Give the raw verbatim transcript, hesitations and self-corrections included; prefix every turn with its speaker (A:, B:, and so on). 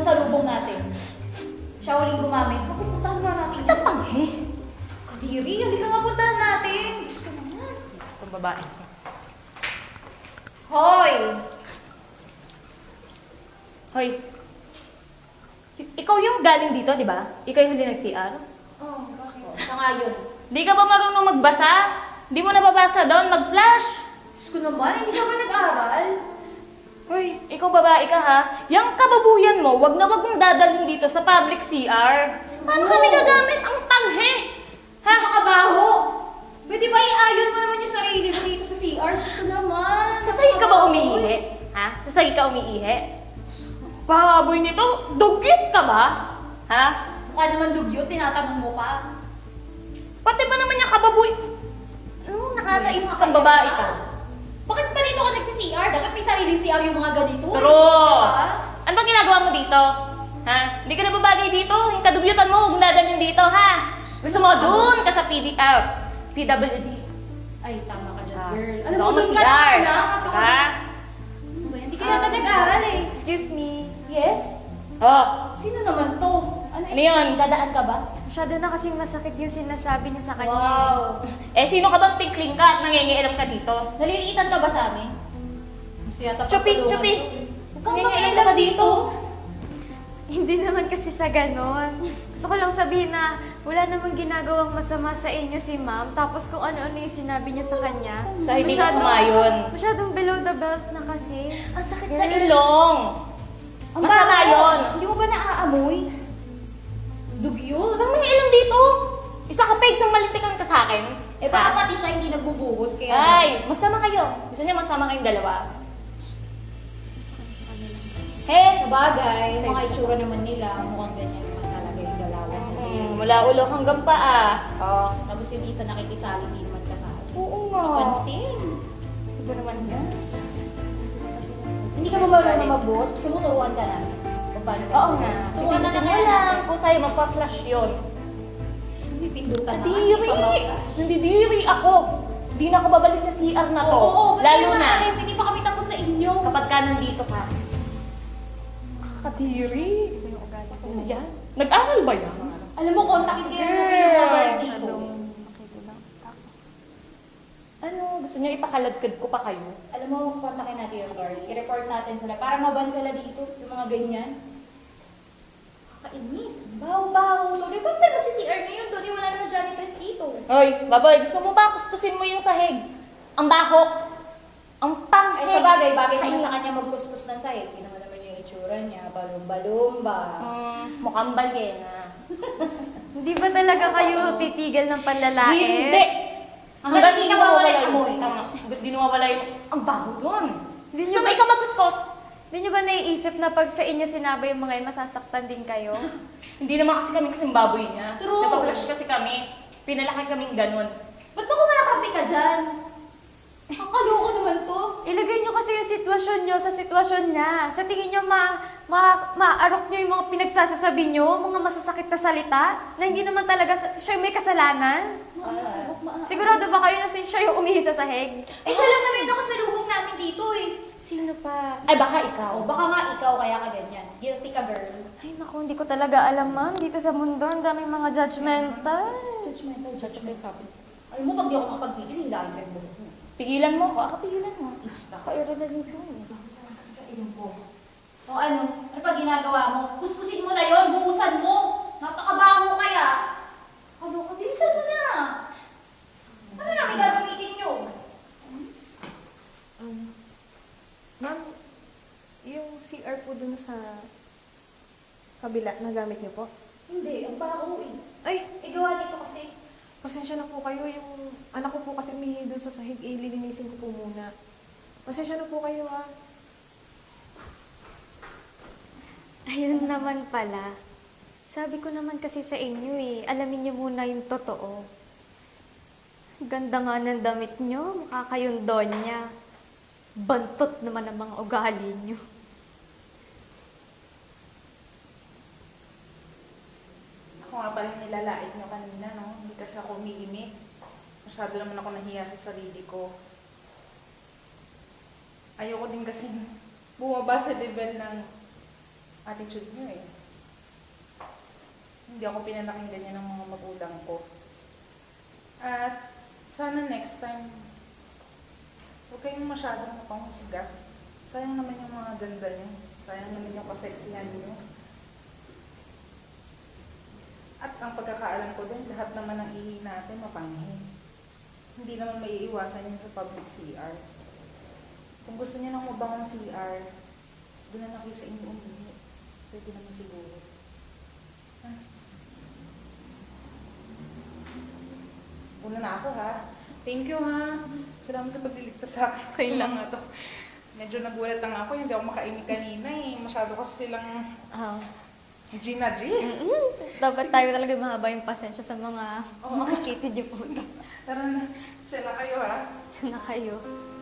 A: masalubong natin. Siya uling gumamit. Pupuntahan nga natin.
B: Ito pang eh.
A: Kadiri, hindi ka nga puntahan natin. Gusto naman.
B: Itong babae.
A: Hoy!
B: Hoy. I- ikaw yung galing dito, di ba? Ikaw yung hindi nag-C R?
A: Oh, bakit? Siya nga yun.
B: Di ka ba marunong magbasa? Di mo nababasa doon, mag-flash.
A: Diyos ko naman, hindi ka ba nag-aral?
B: Hoy, ikaw babae ka ha? Yang kababuyan mo, wag na wag mong dadalhin dito sa public C R. Paano
A: Oo.
B: kami gagamit? Ang tanghe! Ha?
A: Nakakabaho! Pwede ba iayon mo naman yung sarili mo dito sa C R? Diyos ko naman.
B: Sa sahig ka ba umiihi? Ha? Sa sahig ka umiihi? Baboy nito, dugyot ka ba? Ha?
A: Mukha naman dugyot, tinatanong mo pa.
B: Pati ba naman yung kababoy? Ano, nakakainis kang babae ka.
A: Bakit pa dito ka nagsi-C R? Dapat may sariling C R yung mga ganito. eh.
B: True!
A: Diba?
B: Ano ba ginagawa mo dito? Ha? Hindi ka na babagay dito. Yung kadugyutan mo, huwag mo dadalhin dito, ha? Gusto mo doon ka sa P D, ah, P W D.
A: Ay, tama ka dyan,
B: Ah,
A: girl.
B: gusto
A: Alam mo,
B: ko
A: doon
B: mag-C
A: ka na
B: R.
A: lang.
B: Ha?
A: Ano ba yan? Hindi ka yata nag-aral eh.
C: Excuse me.
A: Yes?
B: Oh,
A: Sino naman to? Ano,
B: Ano yun?
A: Dadaan ka ba?
C: Masyado na kasing masakit yung sinasabi niya sa kanya.
A: Wow.
B: eh sino ka bang tinkling ka at nangingialam ka dito?
A: Naliliitan ka ba sa amin? Gusto yata
B: Chupi,
A: pagtulungan
B: chupi!
A: to. Huwag kang
B: Nangingialam
A: makialam
B: ka dito.
C: Hindi naman kasi sa ganon. Gusto ko lang sabihin na wala namang ginagawang masama sa inyo si ma'am. Tapos kung ano-ano yung sinabi niyo sa kanya.
B: Sa hindi
C: masyadong-
B: sumayon.
C: Masyadong below the belt na kasi.
B: Ang sakit sa ilong.
A: Ang
B: Masama
A: baho.
B: yun.
A: Hindi mo ba naaamoy? Dugyot.
B: Huwag kang mangialam dito. Isa ka pa, isang malintikan ka sa akin.
A: Eh baka pati siya hindi nagbubuhos kaya...
B: Ay, magsama kayo. Gusto niya magsama kayong dalawa. He,
A: Sabagay,
B: Sa'yo.
A: mga itsura naman nila, mukhang ganyan naman talaga yung galawan nila.
B: Hmm, mula ulo hanggang paa.
A: Oh, tapos yung isa nakikisali, di naman kasali.
B: Oo nga.
A: Pansin.
B: Ito naman yan.
A: Hindi ka ba marunong mag-boss? Gusto mo turuan ka namin? Kung paano
B: Oo nga.
A: mag-boss? Turuan na
B: Ipindutin
A: naman
B: mo lang.
A: natin.
B: Kung sa'yo, magpa-flash yun.
A: Hindi pindutan na. Hindi
B: Nadiri!
A: pa mag-flash.
B: Nandidiri ako. Hindi na ako babalik sa C R na to.
A: Oo, ba't
B: Lalo
A: kayo
B: na
A: naalis? Hindi pa kami tapos sa inyo.
B: kapag ka nandito ka. Kadiri.
C: Ito yung ugali ko.
B: Ano yan? Nag-aral ba yan?
A: Alam mo, kontakin kayo natin yung mga guard dito.
C: Masyadong makikilang.
B: Ano? Gusto niyo ipakaladkad ko pa kayo?
A: Alam mo, kontakin natin yung guard. I-report natin sila para maban sila dito, yung mga ganyan. Kakainis. Baho-baho. Tuloy ba tayo si C R ngayon? Tuloy wala naman janitors dito.
B: Hoy, baboy, gusto mo ba kuskusin mo yung sahig? Ang baho. Ang panghe.
A: Ay, sa bagay, bagay naman
B: Kainis.
A: sa kanya magkuskus ng sahig. Hindi naman naman yung itsura niya. Balum-balumba.
B: Mm, mukhang balyena.
C: Hindi ba talaga kayo titigil ng panlalait?
B: Hindi!
A: Hanggang hindi nawawala yung amoy.
B: Tama. Hanggang di nawawala yung... Ang baho doon.
C: Hindi
B: Gusto
C: niyo
B: mo
C: ba-
B: ikaw magkuskus?
C: Hindi niyo ba naiisip na pag sa inyo sinabi yung mga yun, masasaktan din kayo?
B: Hindi naman kasi kami kasing baboy niya.
A: True.
B: Nagpa-flash kasi kami. Pinalaki kaming ganun.
A: Ba't ba kumakapi ka dyan? Ang kaloko naman to.
C: Ilagay niyo kasi yung sitwasyon niyo sa sitwasyon niya. Sa tingin niyo ma, ma, maarok niyo yung mga pinagsasasabi niyo, mga masasakit na salita, na hindi naman talaga sa- siya yung may kasalanan.
A: Maarok, maarok.
C: Sigurado ba kayo na sin- siya yung umihi sa sahig?
A: Eh, siya lang naman yung nakasalubong namin dito eh.
B: Sino pa? Ay, baka ikaw.
A: Oh, baka nga ikaw kaya ka ganyan. Guilty ka, girl.
C: Ay naku, hindi ko talaga alam ma'am. Dito sa mundo, ang daming mga judgmental.
A: Judgmental, judgmental. Alam mo, pag di ako makapagpigil, yung lahat yung buhok mo.
B: Pigilan mo ko. Ako pigilan mo. Naka-irada nito.
A: O ano? Ano pa ginagawa mo? Kuskusin mo na yon, buhusan mo. Napakabango kaya. Ano ka? Bilisan mo na. Ano namin gagamitin nyo?
D: Um, ma'am, yung C R po dun sa kabila, nagamit niyo po?
A: Hindi, ang baho eh.
D: Ay,
A: Eh, gawa dito kasi.
D: pasensya na po kayo. Yung anak ko po kasi umihi dun sa sahig, eh, lilinisin ko po muna. Pasensya na po kayo, ha?
C: Ayun naman pala. Sabi ko naman kasi sa inyo eh, alamin niyo muna yung totoo. Ganda nga ng damit niyo, mukha kayong donya. Bantot naman ang mga ugali niyo.
E: Ako nga pala yung nilalait nyo kanina, no? Hindi kasi ako umiimik. Masyado naman ako nahiya sa sarili ko. Ayoko din kasi bumaba sa level ng attitude niyo eh. Hindi ako pinalaking ganyan ng mga magulang ko. At sana next time, huwag kayong masyadong mapanghusga. Sayang naman yung mga ganda niyo. Sayang naman yung kaseksihan niyo. At ang pagkakaalam ko din, lahat naman ng ihi natin mapanghi. Hindi naman may iiwasan yun sa public C R. Kung gusto niyo ng mabangong C R, doon na lang kayo sa inyo umihi. Pwede naman siguro. Ha? Una na ako ha. Thank you ha. Salamat sa pagliligtas sa akin.
C: Okay
E: sa
C: lang.
E: mga to. Medyo nagulat lang ako. Hindi ako makaimik kanina eh. Masyado kasi silang
C: Ah.
E: Gina G.
C: Dapat tayo talaga mahaba yung pasensya sa mga
E: Oo.
C: makikita niyo po.
E: Tara na. Siya na kayo ha.
C: Diyan na kayo.